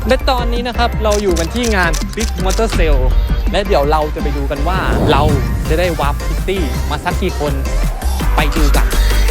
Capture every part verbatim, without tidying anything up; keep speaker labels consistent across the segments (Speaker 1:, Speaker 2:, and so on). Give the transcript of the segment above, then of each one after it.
Speaker 1: และตอนนี้นะครับเราอยู่กันที่งาน Big Motor Sale และเดี๋ยวเราจะไปดูกันว่าเราจะได้วาร์ปพิตตี้มาสักกี่คนไปดูกัน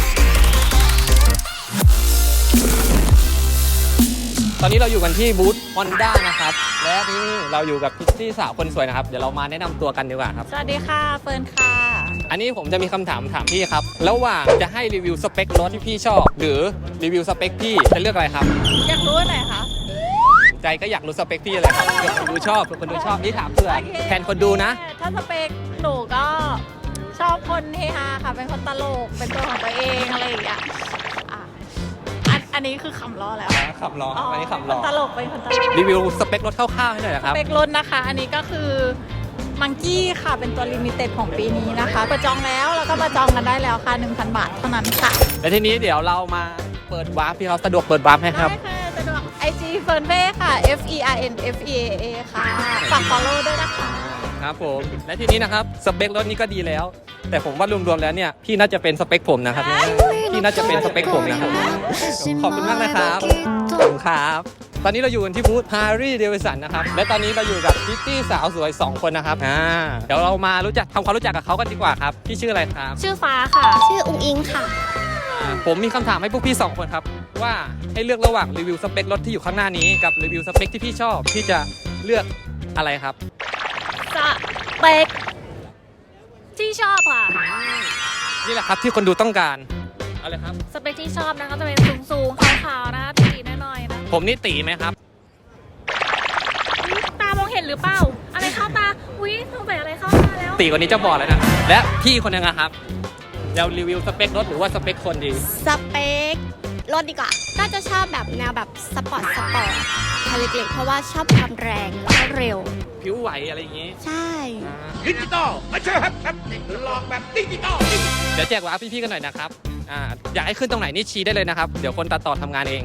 Speaker 1: ตอนนี้เราอยู่กันที่บูธ Honda นะครับและที่นี่เราอยู่กับพิตตี้สาวคนสวยนะครับเดี๋ยวเรามาแนะนำตัวกันดีกว่าครับ
Speaker 2: สวัสดีค่ะเฟิร์นค่ะ
Speaker 1: อันนี้ผมจะมีคำถามถามพี่ครับระหว่างจะให้รีวิวสเปครถที่พี่ชอบหรือรีวิวสเปคพี่จะเลือกอะไรครับ
Speaker 2: อยากรู้อันไหนคะ
Speaker 1: ใจก็อยากรู้สเปคพี่เลยครับเผื่อคนดูชอบเผื่อคนดูชอบนี่ถามเผื่อแทนคนดูนะ
Speaker 2: ถ้าสเปคหนูก็ชอบคนเฮฮาค่ะเป็นคนตลกเป็นตัวของตัวเองอะไรอย่างเงี้ยอ่ะอันอันนี้คือคำล้อแล้ว
Speaker 1: คำล้ออันนี้คำล้อ
Speaker 2: ตลกเป็นคนตลก
Speaker 1: รีวิวสเปครถคร่าวๆให้หน่อยนะครับ
Speaker 2: สเปครถนะคะอันนี้ก็คือมังกี้ค่ะเป็นตัวลิมิเต็ดของปีนี้นะคะเปิดจองแล้วแล้วก็มาจองกันได้แล้วค่ะ หนึ่งพัน บาทเท่านั้นค่ะ
Speaker 1: และทีนี้เดี๋ยวเรามาเปิดวาร์ปพี่เขาสะดวกเปิดวาร์ปให้ครับ
Speaker 2: ได้ค่ะสะดวก ไอ จี เฟิร์นเฟ่ค่ะ F E R N F E A A ค่ะฝาก follow ด้วยนะคะ
Speaker 1: ครับผมและทีนี้นะครับสเปครถนี้ก็ดีแล้วแต่ผมว่ารวมๆแล้วเนี่ยพี่น่าจะเป็นสเปคผมนะครับพี่น่าจะเป็นสเปคผมนะครับขอบคุณมากนะครับขอบคุณครับตอนนี้เราอยู่กันที่บูธ Harley Davidson นะครับและตอนนี้เราอยู่กับพิตตี้สาวสวยสองคนนะครับอ่าเดี๋ยวเรามารู้จักทำความรู้จักกับเขากันดีกว่าครับพี่ชื่ออะไรครับ
Speaker 2: ชื่อฟ้าค่ะ
Speaker 3: ชื่ออุงอิงค่ะ
Speaker 1: ผมมีคำถามให้พวกพี่สองคนครับว่าให้เลือกระหว่างรีวิวสเปครถที่อยู่ข้างหน้านี้กับรีวิวสเปคที่พี่ชอบพี่จะเลือกอะไรครับ
Speaker 2: สเปคที่ชอบค่ะ
Speaker 1: นี่แหละครับที่คนดูต้องการอะไรครับ
Speaker 2: สเปคที่ชอบนะคะจะเป็นสูงๆขาวๆนะตีน้อยๆนะ
Speaker 1: ผมนี่ตีไหมครับ
Speaker 2: ตามองเห็นหรือเปล่าอะไรเข้าตาอุ้ยสงสัยอะไรเข้าตาแล้ว
Speaker 1: ตีกว่านี้จะบอกเลยนะและพี่คนนึงนะครับเรารีวิวสเปครถหรือว่าสเปคคนดี
Speaker 3: สเปครถดีกว่าก็จะชอบแบบแนวแบบสปอร์ตสปอร์ตคันเล็กๆเพราะว่าชอบความแรงแล้วก็เร็ว
Speaker 1: ผิวไหวอะไรอย่างงี้
Speaker 3: ใช่
Speaker 4: ดิจิตอลไม่ใช่ครับครับหลอกแบบดิจิตอล
Speaker 1: เดี๋ยวแจกวาร์ปพี่ๆกันหน่อยนะครับอ่าอยากให้ขึ้นตรงไหนนี่ชี้ได้เลยนะครับเดี๋ยวคนตัดต่อทำงานเอง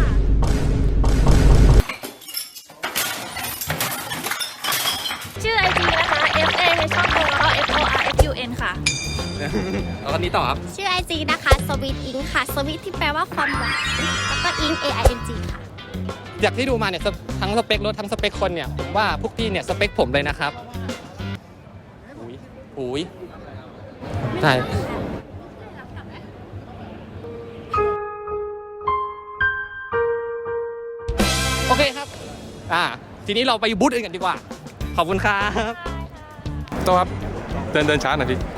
Speaker 2: ชื่อ ไอ จี นะคะ F A ช่องโทรแล้วก็ F O R F U N ค่ะ
Speaker 1: แล้วคนนี้ต่อครับ
Speaker 3: ชื่อ ไอ จี นะคะสวีทอิงค่ะสวีทที่แปลว่าความหวานแล้วก็อิง A I N G ค่ะ
Speaker 1: จากที่ดูมาเนี่ยทั้งสเปครถทั้งสเปคคนเนี่ยผมว่าพวกพี่เนี่ยสเปคผมเลยนะครับอุ้ยอุ้ยใช่โอเคครับอ่าทีนี้เราไปบูธอื่นกันดีกว่าขอบคุณครับ
Speaker 4: ตัวครับเดินเดินช้าหน่อยพี่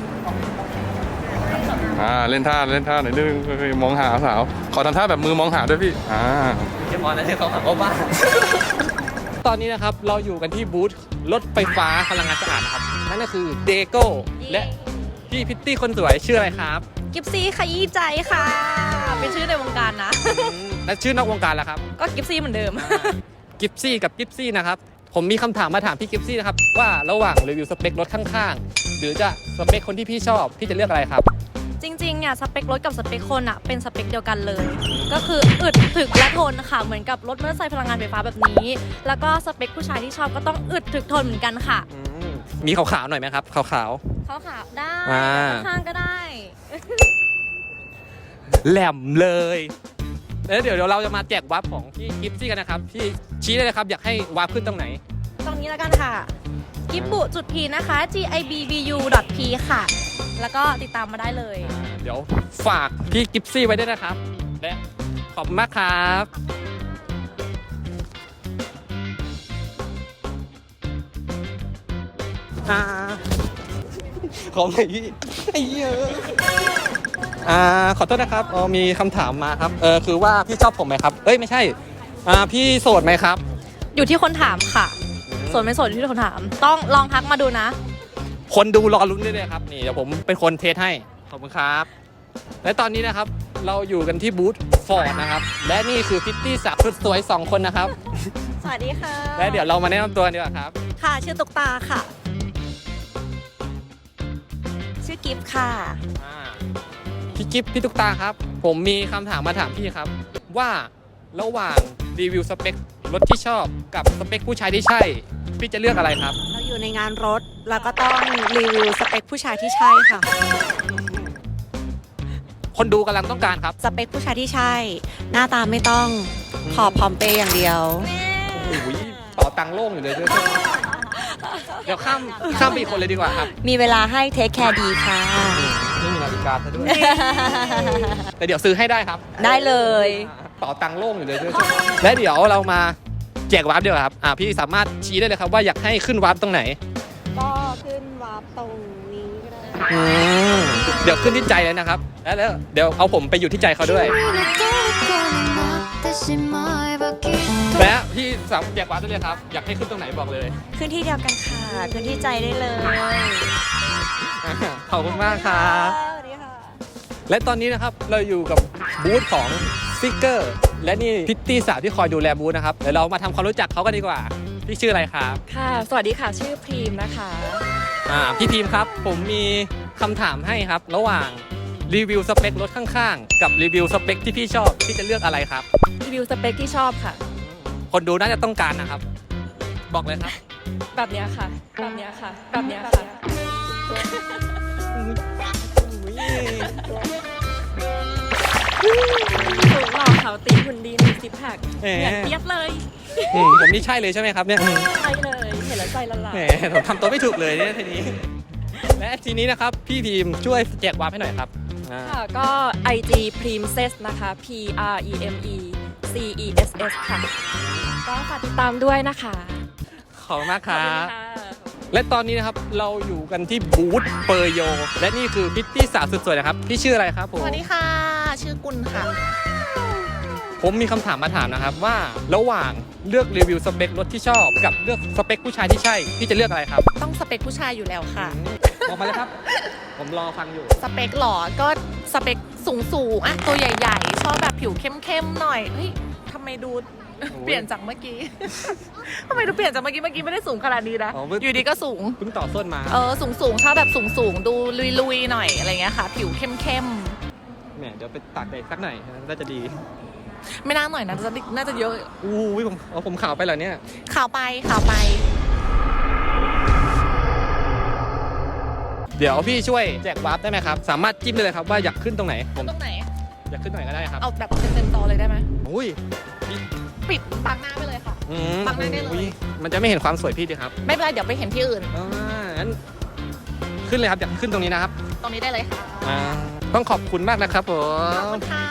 Speaker 4: อ่าเล่นท่าเล่นท่าหน่อยนึงมองหาสาวขอทำท่าแบบมือมองหาด้วยพี่อ่า
Speaker 1: เดี๋ยวพอนะเดี๋ยวเขาขับบ้าตอนนี้นะครับเราอยู่กันที่บูธรถไฟฟ้าพลังงานสะอาดนะครับนั่นก็คือเดโก้และพี่พิตตี้คนสวยชื่ออะไรครับ
Speaker 2: กิฟซี่ขยี้ใจค่ะเป็นชื่อในวงการนะ
Speaker 1: และชื่อนอกวงการล่ะครับ
Speaker 2: ก็กิฟซี่เหมือนเดิม
Speaker 1: กิฟซี่กับกิฟซี่นะครับผมมีคำถามมาถามพี่กิฟซี่นะครับว่าระหว่างรีวิวสเปครถข้างๆหรือจะสเปคคนที่พี่ชอบพี่จะเลือกอะไรครับ
Speaker 2: จริงๆเนี่ยสเปครถกับสเปคคนอะเป็นสเปคเดียวกันเลยก็คืออึดถึกและทนค่ะเหมือนกับรถมอเตอร์ไซค์พลังงานไฟฟ้าแบบนี้แล้วก็สเปคผู้ชายที่ชอบก็ต้องอึดถึกทนเหมือนกันค่ะ
Speaker 1: มีขาวๆหน่อยไหมครับขาวๆข
Speaker 2: าวๆได้ข้างก็ได้
Speaker 1: แหลมเลยแล้วเดี๋ยวเราจะมาแจกวาร์ปของพี่กิฟซี่กันนะครับพี่ชี้ได้เลยครับอยากให้วาร์ปขึ้นตรงไหน
Speaker 2: ตรงนี้แล้วกันค่ะกิฟบุจุดพีนะคะ G I B B U P ค่ะแล้วก็ติดตามมาได้เลย
Speaker 1: เดี๋ยวฝากพี่กิฟซี่ไว้ด้วยนะครับและขอบคุณมากครับอ่าขอหน่อยพี่ไอ้เหี้ยอ่าขอโทษนะครับอ๋อมีคำถามมาครับเออคือว่าพี่ชอบผมไหมครับเอ้ยไม่ใช่อ่าพี่โสดไหมครับ
Speaker 2: อยู่ที่คนถามค่ะโสดไม่โสดอยู่ที่คนถามต้องลองทักมาดูนะ
Speaker 1: คนดูรอลุ้นได้เลยครับนี่เดี๋ยวผมเป็นคนเทสให้ขอบคุณครับและตอนนี้นะครับเราอยู่กันที่บูธฟอร์ดนะครับและนี่คือพิตตี้สาวสวยสองคนนะครับ
Speaker 2: สวัสดีค่ะ
Speaker 1: และเดี๋ยวเรามาแนะนำตัวดีกว่าครับ
Speaker 2: ค่ะชื่อตุ๊กตาค่ะชื่อกิฟค่ะ
Speaker 1: พี่กิฟพี่ตุ๊กตาครับผมมีคำถามมาถามพี่ครับว่าระหว่างรีวิวสเปครถที่ชอบกับสเปคผู้ชายที่ใช่พี่จะเลือกอะไรครับ
Speaker 5: เราอยู่ในงานรถแล้วก็ต้องรีวิวสเปคผู้ชายที่ใช่ค่ะ
Speaker 1: คนดูกำลังต้องการครับ
Speaker 5: สเปคผู้ชายที่ใช่หน้าตาไม่ต้องขอพร้อมเปย์อย่างเดียว
Speaker 1: โอ้ยต่อตังค์โล่งอยู่เลยด้วยเดี๋ยวข้ามข้ามไปอีกคนเลยดีกว่าครับ
Speaker 5: มีเวลาให้เทคแคร์ดีค่ะ
Speaker 1: ไม่มีนาฬิกาซะด้วยแต่เดี๋ยวซื้อให้ได้ครับ
Speaker 5: ได้เลย
Speaker 1: ต่อตังค์โล่งอยู่เลยด้วยและเดี๋ยวเรามาแจกวาร์ปเดียวาครับอ่าพี่สามารถชี้ได้เลยครับว่าอยากให้ขึ้นวาร์ปตรงไหน
Speaker 5: ก็ขึ้นวาร์ปตรงนี้ก็ได้
Speaker 1: อืมเดี๋ยวขึ้นที่ใจเลยนะครับ แล้วแล้วเดี๋ยวเอาผมไปอยู่ที่ใจเขาด้วย และพี่สามารถแจกวาร์ปได้เลยครับอยากให้ขึ้นตรงไหนบอกเลย
Speaker 5: ขึ้นที่เดียวกันค่ะขึ้นที่ใจได้เลย
Speaker 1: ขอบคุณมากครับ
Speaker 5: สวัสดีค่ะ
Speaker 1: และตอนนี้นะครับเราอยู่กับบูธของซิกเกอร์และนี่พิตตี้สาวที่คอยดูแลบูธนะครับเดี๋ยวเรามาทำความรู้จักเขากันดีกว่าพี่ชื่ออะไรครับ
Speaker 6: ค่ะ สวัสดีค่ะ ชื่อพรีมนะคะ
Speaker 1: อ่าพี่พิมพ์ครับผมมีคำถามให้ครับระหว่างรีวิวสเปครถข้างๆกับรีวิวสเปคที่พี่ชอบพี่จะเลือกอะไรครับ
Speaker 6: รีวิวสเปคที่ชอบค่ะ
Speaker 1: คนดูน่าจะต้องการนะครับ บอกเลยครับ
Speaker 6: แบบเนี้ยค่ะ แบบเนี้ยค่ะ แบบเนี้ยค่ะ สูงหล่อขาวตีหุ่นดีมีซิปแพค
Speaker 1: แหม
Speaker 6: เหมือนเปียกเลย
Speaker 1: อืมผมนี่ใช่เลยใช่ไหมครับเนี่ย
Speaker 6: ใช่เลย เห็นแล้วใจละลาย
Speaker 1: แหมผมทำตัวไม่ถูกเลยเนี่ยทีนี้ และทีนี้นะครับพี่พิมพ์ช่วยแจกวาร์ปให้หน่อยครับอ่า
Speaker 6: ค่ะ ก็ ไอ จี Princess นะคะ P R E M E C E S S ค่ะ ก็ฝากติดตามด้วยนะคะ
Speaker 1: ขอบคุณมากค
Speaker 6: ขอบ
Speaker 1: รั
Speaker 6: คุณ
Speaker 1: บ
Speaker 6: ค่ะ
Speaker 1: และตอนนี้นะครับเราอยู่กันที่บูธเปอร์โยและนี่คือพิตตี้สาวสุดสวยนะครับพี่ชื่ออะไรครับผม
Speaker 7: สวัสดีค่ะ ชื่อกุลค่ะ
Speaker 1: ผมมีคำถามมาถามนะครับว่าระหว่างเลือกรีวิวสเปครถที่ชอบกับเลือกสเปคผู้ชายที่ใช่พี่จะเลือกอะไรครับ
Speaker 7: ต้องสเปคผู้ชายอยู่แล้วค่ะ
Speaker 1: บอกมาเลยครับ ผมรอฟังอยู่
Speaker 7: สเปคหรอ ก็สเปคสูงสูงๆอะตัวใหญ่ๆ ชอบแบบผิวเข้มๆหน่อย เฮ้ยทำไมดู เปลี่ยนจากเมื่อกี้ ทำไมดูเปลี่ยนจากเมื่อกี้ เมื่อกี้ไม่ได้สูงขนาดนี้นะ
Speaker 1: อ๋อเพิ่ง
Speaker 7: อยู่ดีก็สูง
Speaker 1: เพิ่งต่อส้นมา
Speaker 7: เออ สูงสูงๆชอบแบบสูงสูงๆดูลุยๆหน่อยอะไรเงี้ยค่ะ ผิวเข้ม
Speaker 1: แหมเดี๋ยวไปตากแดดสักหน่อยน่าจะดี
Speaker 7: ๆ ไม่น่าหน่อยนะจะน่าจะเยอะ
Speaker 1: อู้ยผมเอาผมขาวไปเหรอเนี่ย
Speaker 7: ขาวไปขาวไป
Speaker 1: เดี๋ยวพี่ช่วยแจกวาร์ปได้ไหมครับสามารถจิ้มได้เลยครับว่าอยากขึ้นตรงไหนผม
Speaker 7: ตรงไหน
Speaker 1: อยากขึ้นตรงไหนก็ได้ครับ
Speaker 7: เอาแบบเต็มๆจอเลยได้ไหม
Speaker 1: อุ้ย
Speaker 7: ปิดบังหน้าไปเลยค่ะ
Speaker 1: อืม
Speaker 7: บังหน้าได้เลย
Speaker 1: อุ๊มันจะไม่เห็นความสวยพี่ดีครับ
Speaker 7: ไม่เป็นไรเดี๋ยวไปเห็นที่อื่น
Speaker 1: อ่างั้นขึ้นเลยครับอยากขึ้นตรงนี้นะครับ
Speaker 7: ตรงนี้ได้เลยค่ะ
Speaker 1: อ่าต้องขอบคุณมากนะครับผ
Speaker 7: ขอบ
Speaker 1: ม
Speaker 7: คุณค่ะ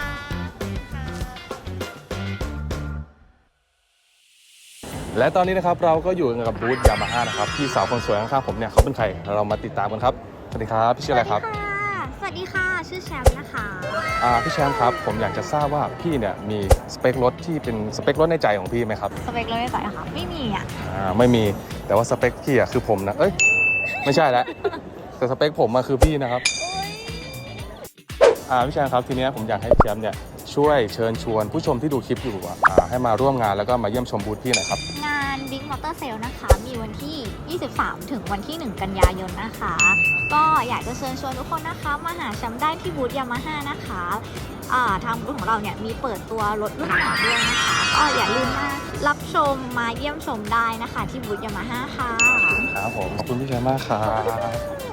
Speaker 4: และตอนนี้นะครับเราก็อยู่กับบูธยามาฮ่านะครับพี่สาวคนสวยข้างๆผมเนี่ยเขาเป็นใครเรามาติดตามกันครับสวัสดีครับพี่ชื่ออะไรครับ
Speaker 3: สวัสดีค่ะ ชื่อแชมป์นะคะ
Speaker 4: อ่าพี่แชมป์ครับผมอยากจะทราบว่าพี่เนี่ยมีสเปครถที่เป็นสเปครถในใจของพี่ไหมครับ
Speaker 3: สเปครถในใจค่ะ ไม่มีอ่ะ
Speaker 4: อ่าไม่มีแต่ว่าสเปคพี่อะคือผมนะเอ้ยไม่ใช่แล้วแต่สเปคผมมาคือพี่นะครับอ่าพี่แชมป์ครับทีเนี้ยผมอยากให้พี่แชมป์เนี่ยช่วยเชิญชวนผู้ชมที่ดูคลิปอยู่อะอ่าให้มาร่วมงานแล้วก็มาเยี่ยมชมบูธพี่หน่อยครับ
Speaker 3: งาน Big Motor Sale นะคะ มีวันที่ ยี่สิบสาม ถึงวันที่ หนึ่ง กันยายนนะคะ ก็อยากจะเชิญชวนทุกคนนะคะ มาหาแชมป์ได้ที่บูธยามาฮ่านะคะอ่าทางบูธของเราเนี่ยมีเปิดตัวรถรุ่นใหม่ด้วยนะคะ ก็อย่าลืมมารับชมมาเยี่ยมชมได้นะคะ ที่บูธยามาฮ่าค่ะ
Speaker 4: ครับผมขอบคุณพี่แชมป์มากครับ